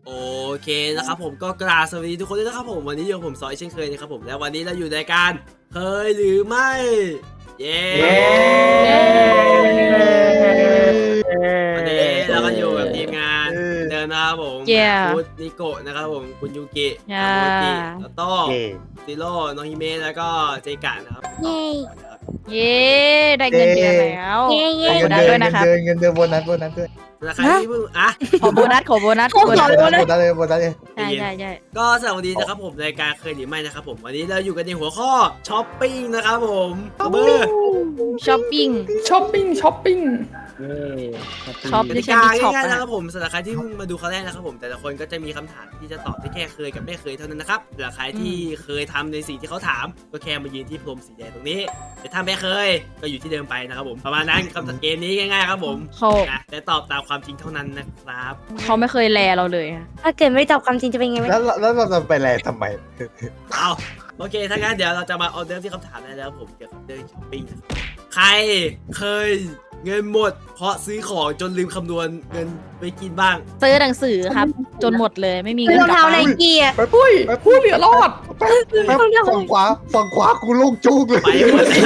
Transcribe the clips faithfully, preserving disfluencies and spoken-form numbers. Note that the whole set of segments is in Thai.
โอเคนะครับผมก็กราบสวัสดีทุกคนด้วยนะครับผมวันนี้อยู่ผมซอยเช่นเคยนะครับผมแล้ววันนี้เราอยู่ในการเคยหรือไม่เย้วันนี้เราก็อยู่กับทีมงานเดินนะครับผมคุณนิโกะนะครับผมคุณยูกิโมจิแล้วก็ซิโร่น้องฮิเมะแล้วก็เจกะนะครับเย้เย้ได้เงินเดือนแล้วเย้เย้ขอโบนัสด้วยนะครับเงินเดือนโบนัสโบนัสด้วยราคาที่เพิ่งอ่ะขอโบนัสขอโบนัสโบนัสโบนัสเลยโบนัสเลยใช่ใช่ใช่ก็สวัสดีนะครับผมรายการเคยหรือไม่นะครับผมวันนี้เราอยู่กันในหัวข้อช้อปปิ้งนะครับผมเบอร์ช้อปปิ้งช้อปปิ้งช้อปปิ้งช็อปกดิติฉันกามีช็อปง่ายๆนะอะครับผมสำหรับใครที่เพิ่งมาดูครั้งแรกนะครับผมแต่ละคนก็จะมีคำถามที่จะตอบได้แค่เคยกับไม่เคยเท่านั้นนะครับสำหรับใครที่เคยทำในสิ่งที่เขาถามก็แค่มายืนที่พรมสีแดงตรงนี้แต่ถ้าไม่เคยก็อยู่ที่เดิมไปนะครับผมประมาณนั้นคำเกมนี้ง่ายๆครับผมเขานะแต่ตอบตามความจริงเท่านั้นนะครับเขาไม่เคยแลเราเลยอะถ้าเกิดไม่ตอบความจริงจะเป็นไงไหมแล้วแล้วเราจะไปแลทำไมเอาโอเคถ้างั้นเดี๋ยวเราจะมาเอาเดิมที่คำถามได้แล้วผมเกี่ยวกับเรื่องช้อปปิ้งนะครับใครเคยเงินหมดเพราะซื้อของจนลืมคำนวณเงินไปกินบ้างซื้อหนังสือครับ จนหมดเลยไม่มีคือเงินรองกลับเท้าไนบ้านกี้อะปุ้ยปุ้ยเหลือรอดแป๊บแป๊บฝั่งขวาฝั่งขวากูโล่งจุกเลยไปหมดเลย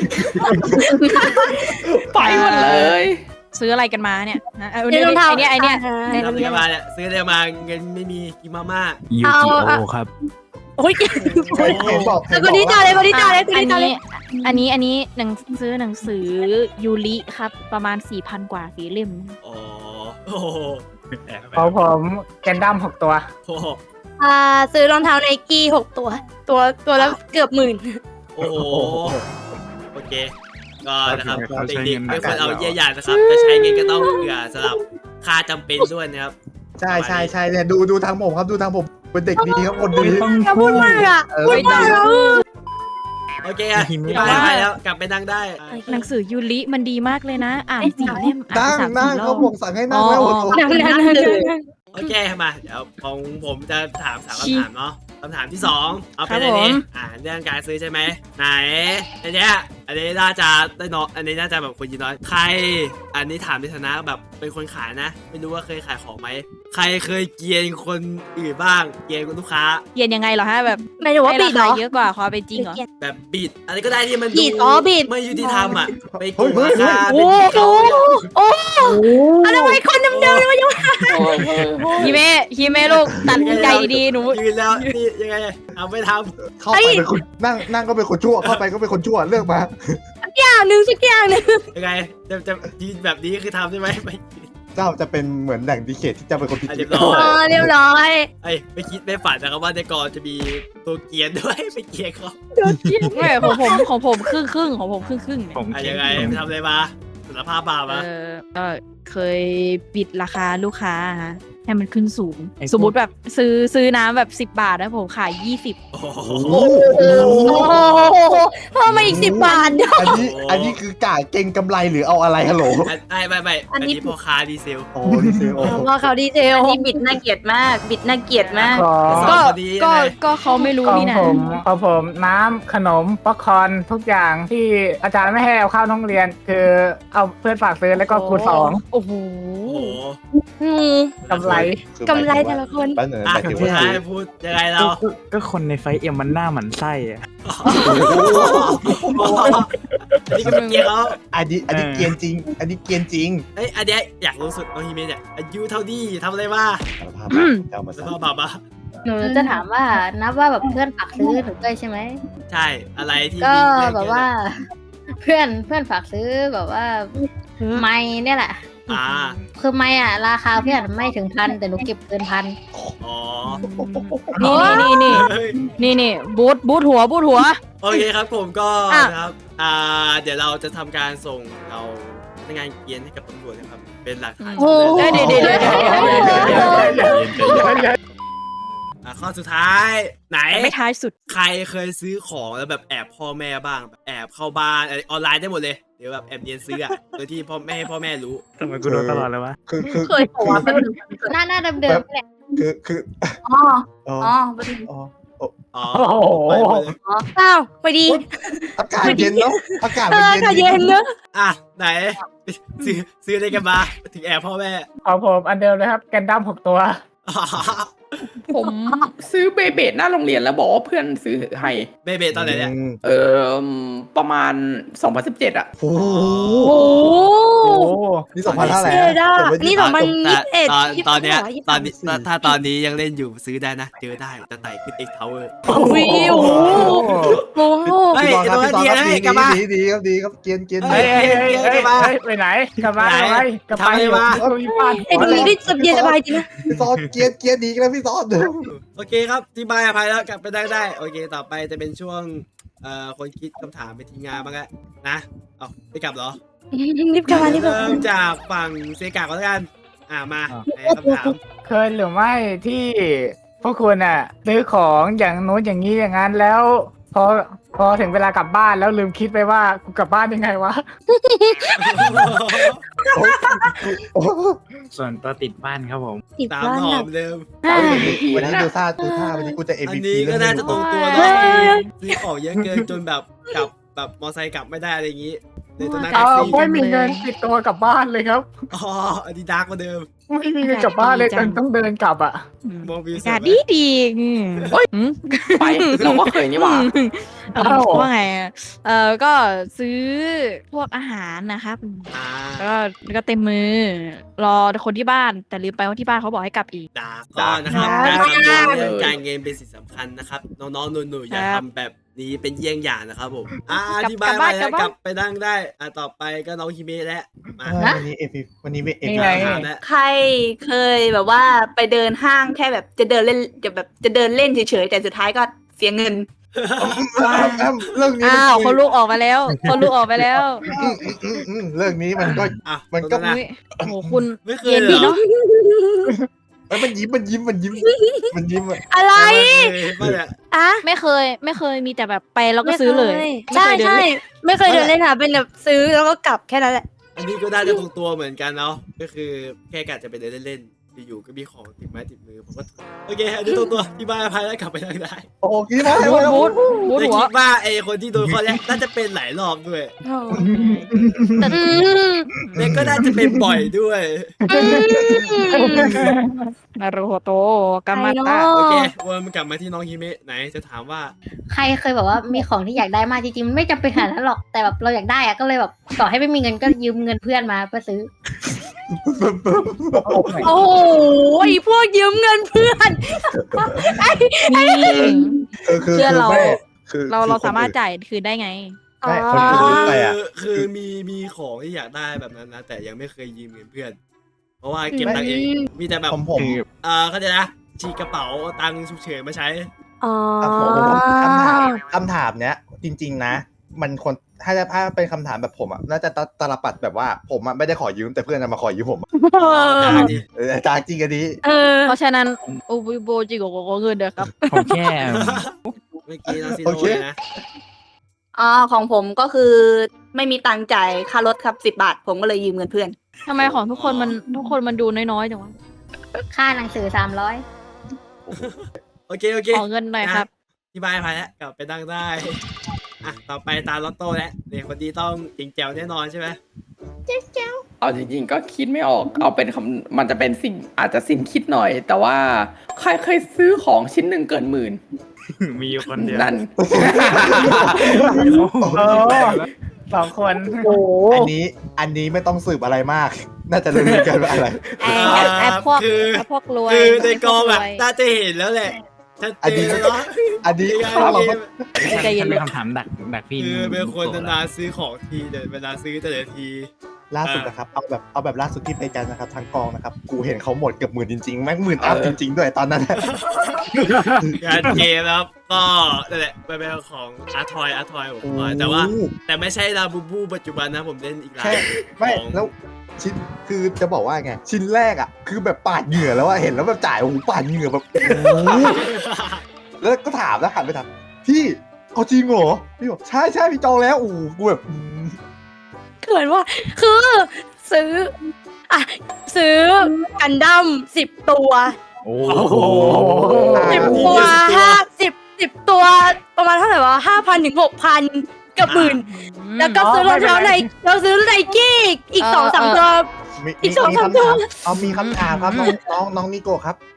ไปหมดเลยซื้ออะไรกันมาเนี่ยนะเอาคือเนี่ยรองเท้าไอเนี้ยไอเนี้ยทำอะไรมาเนี่ยซื้ออะไรมาเงินไม่มีกินมาม่ายูเอากิเอาโอครับโอ้ยเห็นบอกแล้วคนนี้ต่อเลยคนนี้ต่อเลยคนอันนี้ต่อเลยนี้อันนี้อันนี้หนังซื้อหนังสือยูริครับประมาณสี่พันกว่าสีเล่มอ๋อโอ้โหของผมแกนดั้มหกตัวโอ้โหอ่าซื้อรองเท้าไนกี้หกตัว ตัวตัวละเกือบหมื่นโอ้โหโอเคก็นะครับเด็กๆไม่ควรเอาเยี่ยหยาดนะครับจะใช้เงินก็ต้องเผื่อสำหรับค่าจำเป็นด้วยนะครับใช่ใช่ใช่เนี่ยดูดูทางผมครับดูทางผมเป็นเด็กดีครับคนดีอย่าพูดมากอ่ะเออพูดมากอ่ะโอเคอะที่บ้านไปแล้วกลับไปนั่งได้หนังสือยูริมันดีมากเลยนะ อ่านสี่เล่มอ่านั่นงสามนั่สี่งรอเขาบบอกสั่งให้นั่งแล้วอ๋อโอ้โหนั่งนั่งนั่งนั่งโอเคมาเดี๋ยวของผมจะถามสามคำถามเนาะคำถามที่สองเอาเป็นครับอันนี้ผมอ่าเรื่องการซื้อใช่ไหมไหนอันเนี้ยอันนี้น่าจะได้น้อยอันนี้น่าจะแบบคนยินน้อยใคร อันนี้ถามในฐานะแบบเป็นคนขายนะ ไม่รู้ว่าเคยขายของไหมใครเคยเกลียนคนอื่นบ้างเกลียนคนลูกค้าเย็นยังไงเหรอฮะแบบไม่รู้ว่าให้บิราดเหรคาอเยอะกว่าความเป็นจริงเหรอแบบบิดอะไรก็ได้ที่มันบิดอ๋อบิดไม่ยุติธรรมอ่ะไปโกเฮ้ยงเฮ้ยราเฮ้ยคาเป็นที่เขาเนี่ยโอ้อะไรวะคนเดิมๆเลยฮิเมะฮิเมะลูกตัดใจดีๆหนูยืนแล้วนี่ยังไงเอาไม่ทเข้าไปเป็นคนนั่งนั่งก็เป็นคนชั่วเข้าไปก็เป็นคนชั่วเลือกมาอย่างหนึ่งสักอย่างหนึ่งำยังไงจะจะยืนแบบนี้คือทำใช่ไหมไม่เจ้าจะเป็นเหมือนแหล่งดีเคทที่จะเป็นคนผิดอ่ะจิเรีตยบร้อ๋อเรียบร้อยไอ้ยไม่คิดไม่ฝันนะครับว่าในกองจะมีตัวเกรียนด้วย ไปเกรียนเขาไม่ของผมของผมครึ่งครึ่งๆของผมครึ่งครึ่งๆเนี่ยผมอ่ะคิดยังไงไปทำอะไรมาสารภาพบาปเอมาอก็เคยปิดราคาลูกค้าฮะให้มันขึ้นสูง สมมุติแบบซื้อซื้อน้ำแบบสิบบาทนะผมขายยี่สิบโอ้โหโอ้โหโอ้โหเพิ่มมาอีกสิบบาทอันนี้อันนี้คือกาเก่งกำไรหรือเอาอะไรฮัลโหลอันไม่ไม่ไม่อันนี้พ่อค้าดีเซลโอ้ดีเซลโอ้ว่าเขาดีเทลอันนี้บิดน่าเกลียดมาก บิดน่าเกลียดมากของสก็องคนนี้ยังก็ไงก็เขาไม่รู้ของนี่นะผมของผมน้ำขนมป๊อปคอร์นทุกอย่างที่อาจารย์ไม่ให้เอาเข้าห้องเรียน คือเอาเพื่อนฝากซื้อแล้วก็คูณสองโอ้โหโอ้โหอืมกำไรกำไรแต่ละคนแป๊บหนึงอ่ะหมายถึงพูดว่าให้พูดยังไงเราก็ก็คนในไฟเอ็มมันหน้าหมันไส้อะนี่ก็เป็นเกรียนเขาอันนี้อันนี้เกรียนจริง อันนี้เกรียนจริงเอ้ยอันเนี้ยอยากรู้สุดน้องฮิเมะเนี่ยอายุเท่าดีทำอะไรมาสารภาพเจ้ามาสารสั่ภาพบาปมาหนูจะถามว่านับว่าแบบเพื่อนฝากซื้อหนูด้วยใช่ไหมใช่อะไรที่ก็มีเรื่องแบบเยอะว่าเนี่ยเพื่อนเพื่อนฝากซื้อแบบว่าไม้เนี่ยแหละอ่าคือไม้อะราคาเพื่อนไม่ถึงพันแต่หนูเก็บเกินพันอ๋อนี่นี่นี่เฮ้ยนี่นี่บูทบูทหัวบูทหัวโอเคครับผมก็อ่ะนะครับอ่าเดี๋ยวเราจะทำการส่งเราพนักงานเกียนให้กับตำรวจนะครับเป็นหลักฐานโอ้เดี๋ยวเดี๋ยวเดี๋ยวเดี๋ยวเดี๋ยวอ่ะข้อสุดท้ายไหนไม่ท้ายสุดใครเคยซื้อของแล้วแบบแอบพ่อแม่บ้างแบบแอบเข้าบ้านอะไรออนไลน์ได้หมดเลยเดี๋ยวแบบแอบเรียนซื้ออะโดยที่พ่อไม่ให้พ่อแม่รู้ทำไมกูโดนตลอดเลยวะคือคือเคยบอกว่าเป็นหน้าหน้าเดิมๆนี่แหละคือคืออ๋ออ๋ออ๋ออ๋ออ๋อโอ้โหไปหมดเลยอ้าวไปดีอากาศเย็นเนาะอากาศเอมันอเย็นค่ะเย็นเนอะอ่ะไหนซื้อซื้ออะไรกันมาถึงแอบพ่อแม่ของผมอันเดิมเลยครับแกนดั้มหกตัวผมซื้อเบเบดหน้าโรงเรียนแล้วบอกว่าเพื่อนซื้อให้เบเบตอนไหนเนี่ยเออประมาณสองพันสิบเจ็ดอะโอ้โหโอ้โหนี่สองพันเท่าไหร่เท่ด้านี่สองพันยี่สิบเอ็ดตอนตอนเนี้ยยี่สิบตสออน งนี้ถ้าถ้าตอนนี้ยังเล่นอยู่ซื้อได้นะเจอได้จะไต่ขึ้น X Tower โอ้ยโอ้โหโอ้โหเฮ้ยพี่บอลครับพี่บอลครับเดี๋ดียวกลับมาดีดีครับดีครับเกียนเกียนเฮ้เฮ้ยยเฮ้ยเฮ้ยเฮ้ยไปไหนกลับมาไหนไปกลับไปทำอะไรมาเออมีบ้านไอ้ตรงนี้ได้สบายสบายจริงนะพี่ซอนเกียนเกียนดีกันแล้วพี่ซอนโอเคครับที่บายอภัยแล้วกลับไปได้ได้โอเคต่อไปจะเป็นช่วงเอ่อคนคิดคำถามไปทีงานบ้างแล้วนะเอ้าไม่กลับเหรอรีบกลับมารีบกลับเริ่มามจากฝั่งเซกาก่อนแล้วกันอ่ามาในคำถามเคยหรือไม่ที่พวกคุณอ่ะซื้อของอย่างโน้นอย่างนี้อย่างนั้นแล้ว พอพอถึงเวลากลับบ้านแล้วลืมคิดไปว่ากูกลับบ้านยังไงวะส่วนตัวติดบ้านครับผมติดตามบ้านหอแบบมเดิมวันนี้ดูท่าดูท่าวันนี้กูจะ เอ็มอัวีนพีนี้ก็น่าจะตรงตัวเฮ้เนาะยซื้อของเยอะเกินจนแบบกลับแบบมอไซค์กลับไม่ได้อะไรอย่างงี้เลยต้องนั่งเอแท็กอซี่ไม่มีเงินติดตัวกลับบ้านเลยครับอ๋ออันนี้ดาร์กกว่าเดิมไม่มีเงินกลับบ้านเลยจนต้องเดินกลับอ่ะมองวิวอาสกาศวยไหมดีดีอืมอืมไปเราก็เคยนี่หว่าเออว่าไงอะเออก็ซื้อพวกอาหารนะครับอ่าก็ก็เต็มมือ รอคนที่บ้าน แต่ลืมไปว่าที่บ้านเขาบอกให้กลับอีกดาร์กก็นะครับดาการร์กคำนวณมากเรื่องการเงินเป็นสิ่งสำคัญนะครับน้องๆหนูๆอย่าครับทำแบบนี้เป็นเยี่ยงอย่างนะครับผมอ่ากลับที่บ้านกลับบ้านไปแล้วกลับบ้านกลับไปนั่งได้อ่าต่อไปก็น้องฮิเมะแล้วมาวันนี้เอ็มวีวันนี้เอ็มนี่วีไงถามแล้วใครเคยแบบว่าไปเดินห้างแค่แบบจะเดินเล่นจะแบบจะเดินเล่นเฉยๆแต่สุดท้ายก็เสียเงินเรื่องนี้อ้าวเขาลูกออกมาแล้วเขาลูกออกไปแล้วอืมอืมอืมอืมเรื่องนี้มันก็อ่ะมันก็ตรงะอุ๊ยโอ้โหคุณไม่เคยเย็นเหรดีอเนาะเอ้ยมันยิ้มมันยิ้มมันยิ้มมันยิ้มอะอะไรไม่เนี่ยอะไม่เคย ไม่เคยมีแต่แบบไปแล้วก็ซื้อเลยใช่ไม่เคยเดินใช่เล่นไม่เคยเดินเล่นค่ะเป็นแบบซื้อแล้วก็กลับแค่นั้นแหละอันนี้ก็น่าจะตรงตัวเหมือนกันเนาะก็คือแค่กะจะไปเดินเล่นๆอยู่ๆก็มีของติดไม้ติดมือผมก็โอเคอันนี้ตรงตัวที่บ้านอภัยแล้วกลับไปนั่งได้โอ้คิดว่าบูดบูดบูดแต่หัวคิดว่าไอ้คนที่โดนข้อแรกน่าจะเป็นหลายรอบด้วยแต่อืมแล้วก็น่าจะเป็นบ่อยด้วยนารูโฮโตกามาใครตะเนอะโอเควนมันกลับมาที่น้องฮิเมะไหนจะถามว่าใครเคยแบบว่ามีของที่อยากได้มากจริงๆมันไม่จำเป็นขนาดนั้นหรอกแต่แบบเราอยากได้อะก็เลยแบบต่อให้ไม่มีเงินก็ยืมเงินเพื่อนมาเพื่อซื้อโอ้โหไอ้พวกยืมเงินเพื่อนนี่เออคือเชื่อคือเราไม่คือเราคือเราสามารถคนอื่นจ่ายคืนได้ไงใช่คนที่ซื้อไปอ่ะคือคือมีมีของที่อยากได้แบบนั้นนะแต่ยังไม่เคยยืมเงินเพื่อน เพราะว่าเก็บตังค์เองมีแต่แบบผมผมเออเขาใจนะฉีกกระเป๋าเอาตังค์ฉุกเฉินมาใช้อ๋ออ่ะผมผมผมคำถามคำถามเนี้ย จริง ๆ นะ มันคนถ้าจะถ้าเป็นคำถามแบบผมอ่ะน่าจะตตลปัดแบบว่าผมอ่ะไม่ได้ขอยืมแต่เพื่อนจะมาขอยืมผมได้ดิเออจางจริงกันดีเออเพราะฉะนั้นโอบิโบจิโกโกโกเงินเด้อครับผมแค่เมื่อกี้น้องซีโร่เลยนะอ๋อของผมก็คือไม่มีตังค์จ่ายค่ารถครับสิบบาท ผมก็เลยยืมเงินเพื่อนทำไมของทุกคนมันทุกคนมันดูน้อยๆจังวะค่าหนังสือสามร้อยโอเคโอเคขอเงินหน่อยครับที่บ้านไปแล้วกลับไปนั่งได้อ่ะต่อไปตาลอตโต้แล้วเด็กคนนี้ต้องจริงแจ๋วแน่นอนใช่ไหมเอาจริงๆก็คิดไม่ออก เอาเป็นคำมันจะเป็นสิ่งอาจจะสิ้นคิดหน่อย แต่ว่าใครเคยซื้อของชิ้นหนึ่งเกินหมื่นมีอยู่คนเดียวนั่นเออสองคนอันนี้อันนี้ไม่ต้องสืบอะไรมาก น่าจะรู้กันว่าอะไรไอ้ไอ้พวกคือไอ้พวกรวยคือในกองแบบพวรวยน่าจะเห็นแล้วแหละชัดอันเจนี้นแล้วเนาะอันนี้ยังไงข้าวเราเกก็มใจเย็นเป็นคำถามดักดักพี่คือเป็นคนนานๆซื้อของทีแต่เวลาซื้อแต่ละทีล่าสุดนะครับเอาแบบเอาแบบล่าสุดที่ไปกันนะครับทางกองนะครับกูเห็นเขาหมดเกือบหมื่นจริงๆแม่งหมื่นอัพจริง ๆ ด้วยตอนนั้นงานเกมแล้วก็นั่นแหละไปเป็นของอาร์ทอยอาร์ทอยผมขอแต่ว่า แต่ไม่ใช่ลาบูบูปัจจุบันนะผมเล่นอีกหลายแค่ไม่ของแล้วชิ้นคือจะบอกว่าไงชิ้นแรกอ่ะคือแบบปาดเหงื่อแล้วอะเห็นแล้วแบบจ่ายโอ้โหปาดเหงื่อแบบโอ้โหแล้วก็ถามแล้วหันไปถามพี่เอาจริงเหรอพี่บอกใช่ใช่พี่จองแล้วโอ้โหกูแบบอืมเขินว่าคือซื้ออ่ะซื้อกันดั้มสิบตัวโอ้โอ้โหสิบตัวห้าสิบสิบตัวประมาณเท่าไหร่วะห้าพันถึงหกพันกับหมื่น แล้วก็ซื้อรองเท้าไนเราซื้อไนกี้อีกเออสองสามเออตัวมีอีมีกสองมีสามคำถามตัวเอามีคำถามครับน้องน้องน้องนิโกะครับ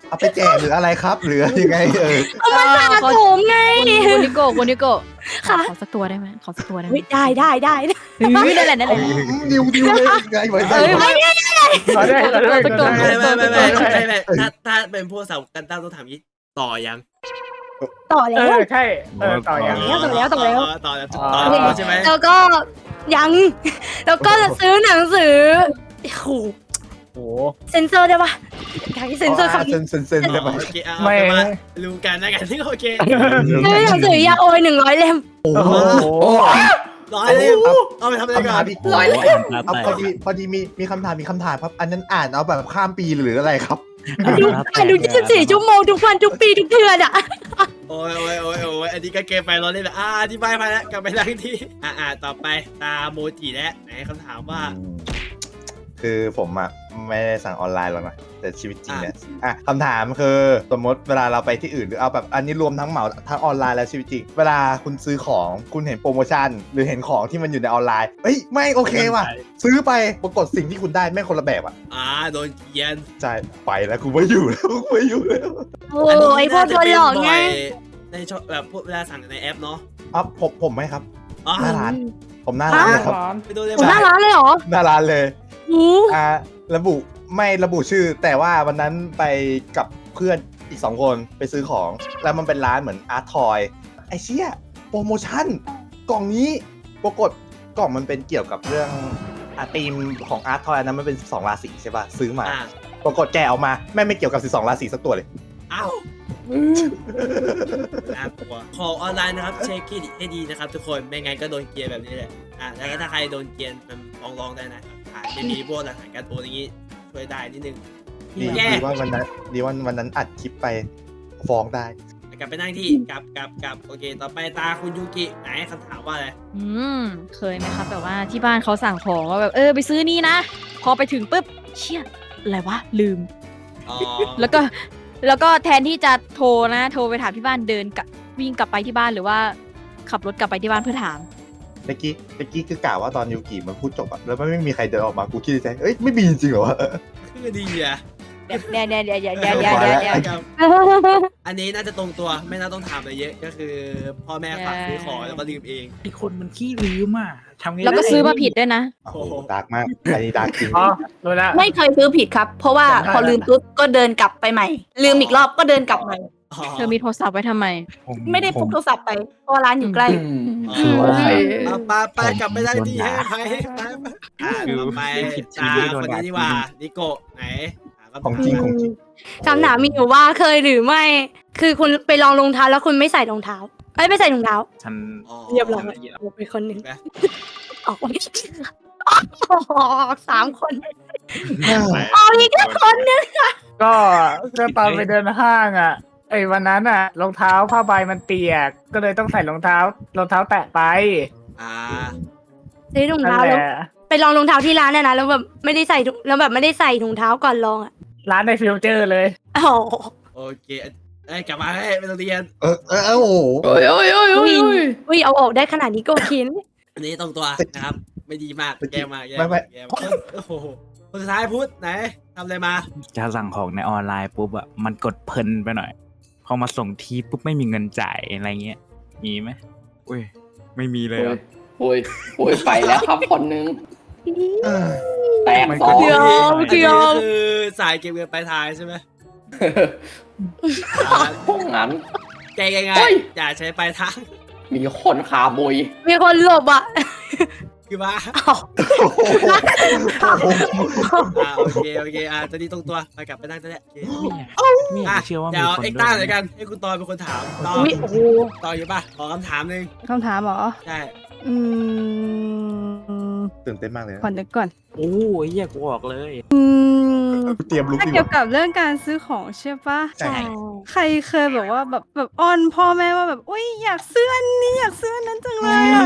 เอาไปแจกหรืออะไรครับ หรือยังไงเออสะสมไงคุณนิโก้คุณนิโก้ขอค่ะขอสักตัวได้ไหมขอสักตัวได้ไหมเฮ้ยได้ได้ได้ได้เฮ้ยนั่นแหละนั่นแหละดิวดิวเลยไงไว้เอ้ยไม่ขอได้ขอได้ขอได้ไม่ไม่ไม่ไม่ไม่ไม่ถ้าถ้าเป็นพวกสาวกันตั้งต้องถามยี่ต่อยังต่อเอแล้วอใช่เออต่อยังต่อแล้วต่อแล้วต่อแล้วต่อแล้วใช่ไหมแล้วก็ยัง แล้วก็จะซื้อหนังสือโอ้โหโอ้เซนเซอร์ได้ปะอยากให้เซนเซอร์คำเซนี้นเซนเซนได้ไหมโอเคเอาไม่ไปมารู้กันนะกันที่โอเคซื้อหนังสือยาโอยหนึ่งร้อยเล่มโอ้โอ้โหโหร้อยเลยเอาไปทำอะไรคำกัถามนอีกร้อยเลยเอาพอดีพอดีมีมีคำถามมีคำถามครับ อันนั้นอ่านเอาแบบข้ามปีหรืออะไรครับดูอ่านดูยี่สิบสี่ชั่วโมงทุกวันทุกปีทุกเดือนอ่ะโอ้ยโอ้ยโอ้ยโอ้ยอันนี้ก็เกมไปร้อนเลยแบบอ่าอธิบายไปแล้วกลับไปนั่งที่อ่าอ่าต่อไปตาโมจิแล้วไหนคำถามว่าคือผมอะไม่ได้สั่งออนไลน์หรอกนะแต่ชีวิตจริงเนี่ยอ่ะคำถามคือสมมติเวลาเราไปที่อื่นหรือเอาแบบอันนี้รวมทั้งเหมาทั้งออนไลน์และชีวิตจริงเวลาคุณซื้อของคุณเห็นโปรโมชั่น หรือเห็นของที่มันอยู่ในออนไลน์เอ้ยไม่โอเคว่ะซื้อไปปรากฏสิ่งที่คุณได้ไม่คนละแบบอ่ะอ่าโดนเกียนใช่ไปแล้วกูไม่อยู่แล้วกูไม่อยู่แล้วโอ้ยพวกโดนหลอกไงในชอบแบบพวกเวลาสั่งในแอปเนาะอ๋อผมผมไหมครับอ๋อหน้าร้าน ผมหน้าร้านเลยครับไปดูเลยผมหน้าร้านเลยเหรอหน้าร้านเลยหูอ่าระบุไม่ระบุชื่อ แต่ว่าวันนั้นไปกับเพื่อนอีกสองคนไปซื้อของ แล้วมันเป็นร้านเหมือนอาร์ตทอยไอเชี่ยโปรโมชั่น กล่องนี้ปรากฏกล่องมันเป็นเกี่ยวกับเรื่องอาธีมของอาร์ตทอยอันนั้นมันเป็นสิบสองราศีใช่ป่ะซื้อมาอ่าปรากฏแกะออกมาแม่งไม่เกี่ยวกับสิบสองราศีสักตัวเลยอ้าวน่ากลัวขอออนไลน์นะครับเช็คเครดิตให้ดีนะครับทุกคนไม่งั้นก็โดนเกียร์แบบนี้แหละอ่าแล้วก็ถ้าใครโดนเกียร์มันฟ้องร้องได้นะถ่ายไม่มีพวกหลักฐานการโอนอย่างงี้ช่วยได้นิดนึงดีแย่ดีว่าวันนั้นดีว่าวันนั้นอัดคลิปไปฟ้องได้กลับไปนั่งที่กลับกลับกลับโอเค ต่อไปตาคุณยูกิไหนคำถามว่าอะไรอืมเคยไหมครับแบบว่าที่บ้านเขาสั่งของว่าแบบเออไปซื้อนี่นะ พอไปถึงปุ๊บเชี่ยอะไรวะลืมอ๋อแล้วก็แล้วก็แทนที่จะโทรนะโทรไปถามที่บ้านเดินกลับวิ่งกลับไปที่บ้านหรือว่าขับรถกลับไปที่บ้านเพื่อถามเมื่อกี้เมื่อกี้คือกล่าวว่าตอนยูกิมันพูดจบอะแล้วไม่มีใครเดินออกมากูคิดในใจเอ้ยไม่มีจริงเหรอวะคือดีอ่ะเดี๋ยวเดี๋ยวเดี๋ยวเดี๋ยวเดี๋ยวเดี๋ยวเดี๋ยวเดี๋ยวเดี๋ยวครับอันนี้น่าจะตรงตัวไม่น่าต้องถามอะไรเยอะก็คือพ่อแม่ฝากซื้อของแล้วก็ลืมเองไอคนมันขี้ลืมอ่ะทำไงแล้วก็ซื้อมาผิดด้วยนะโอ้โหดาร์กมากอันนี้ดาร์กจริงอ๋อรู้แล้วไม่เคยซื้อผิดครับ เพราะว่าจำได้พอลืมปุ๊บก็เดินกลับไปใหม่ ลืมอีกรอบก็เดินกลับใหม่เธอมีโทรศัพท์ไว้ทำไมผมไม่ได้พกโทรศัพท์ไปเพราะว่าร้านอยู่ใกล้คือว่าเอาไปไปกลับไปได้ที่ให้ไปไปไปอ่าต่อไปตาคนนี้ดีกว่านิโกะไหนถามคำถามของจริงของจริงคำถามมีอยู่ว่าเคยหรือไม่ คือคุณไปลองรองเท้าแล้วคุณไม่ใส่รองเท้าเอ้ยไม่ใส่รองเท้าฉันอ๋อเรียบร้อยเรียบโอ้เป็นคนหนึ่งนะออกมาออกสามคนออกอีกแค่คนหนึงก็ก็ตอนไปเดินห้างอ่ะไอ้วันนั้นอ่ะรองเท้าผ้าใบมันเปียก ก็เลยต้องใส่รองเท้ารองเท้าแตะไปอ่าซื้อรองนั่นเท้าแหแล้วละไปลองรองเท้าที่ร้านน่ะนะแล้วแบบไม่ได้ใส่ถุงแล้วแบบไม่ได้ใส่ถุงเท้าก่อนลองอ่ะร้านในฟิวเจอร์เลยอ๋อโอเคเอ้ยกลับมาให้ไม่ต้องเรียนเออเออเออโอ้โหโอ้ยโอ้ยโอ้ยโอ้ยอุ้ยเอาออกได้ขนาดนี้ก็คินอันนี้ตรงตัวนะครับ ไม่ดีมากแกมาแกไม่ไม่แกมาโอ้โหคนสุดท้ายพูดไหนทำอะไรมาจะสั่งของในออนไลน์ปุ๊บอ่ะมันกดเพลินไปหน่อย พอมาส่งทีปุ๊บไม่มีเงินจ่ายอะไรเงี้ยมีไหมอุ้ยไม่มีเลยโอ้เหรยอโอ้ยโอ้ยไปแล้วครับคนนึงเออแตกมันสก็องเดี๋ยวอันเดี๋นี้ยวคือสายเก็บเงินปลายทางใช่ไหมพวกนั้นแกยังไงเฮ้ยอย่าใช้ปลายทางมีคนขาบุยมีคนหลบอ่ะคือว่าอ้าวอ่าโอเคโอเคอ่าตอนนี้ตรงตัวไปกลับไปนั่งตัวเนี้ยโอเคไม่อยากอ่ะเชื่อว่าเดี๋มียวคนเอ็กด้ต้าวยเลยกันให้คุณตอยเป็นคนถามตออุ้ยโอ้โหตอยอยู่ป่ะขอคำถามหนึ่งคำถามเหรอใช่อืมตื่นเต้นมากเลยนะก่อนนึกก่อนโอ้ยแยกกูออกเลยอืมเตรียมลุกถ้าดีกเกี่ยวว่ากับเรื่องการซื้อของใช่ปะใช่ใครเคยแบบว่าแบบแบบอ้อนพ่อแม่ว่าแบบอุ้ยอยากซื้ออันนี้อยากซื้ออันนั้นจังเลยอะ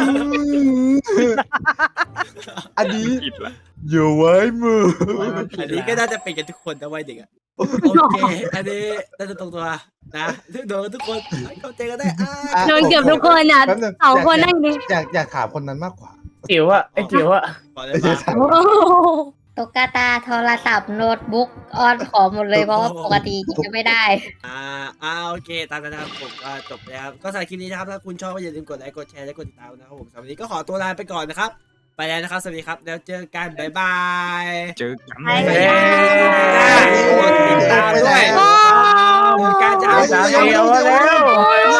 อันนี้ผิดละอยู่ไว้มืออันนี้ก็น่าจะเป็นกันทุกคนนะวัยเด็กอ่ะโอเคอันนี้น่าจะตรงตัวนะโดนทุกคนเข้าใจกันได้อ่าโดนเกือบทุกคนอ่ะแป๊บนึงสองคนนั่งดูอยากอยากถามคนนั้นมากกว่าจิ๋วอ่ะไอ้จิ๋วอ่ะขอได้ไม่ใช่ปะถามโอ้โหตุ๊กตาโทรศัพท์โน้ตบุ๊กออนขอหมดเลยเพราะว่าปกติจะไม่ได้อ่าอ่าโอเคตามนั้นนะครับผมก็จบแล้วครับก็สำหรับคลิปนี้นะครับถ้าคุณชอบก็อย่าลืมกดไลค์กดแชร์และกดติดตามนะครับผมสำหรับวันนี้ก็ขอตัวลาไปก่อนนะครับไปแล้วนะครับสวัสดีครับแล้วเจอกันบ๊ายบายเจอกันไปแล้วกดติดตามด้วยการจะเอาสามเดียวแล้ว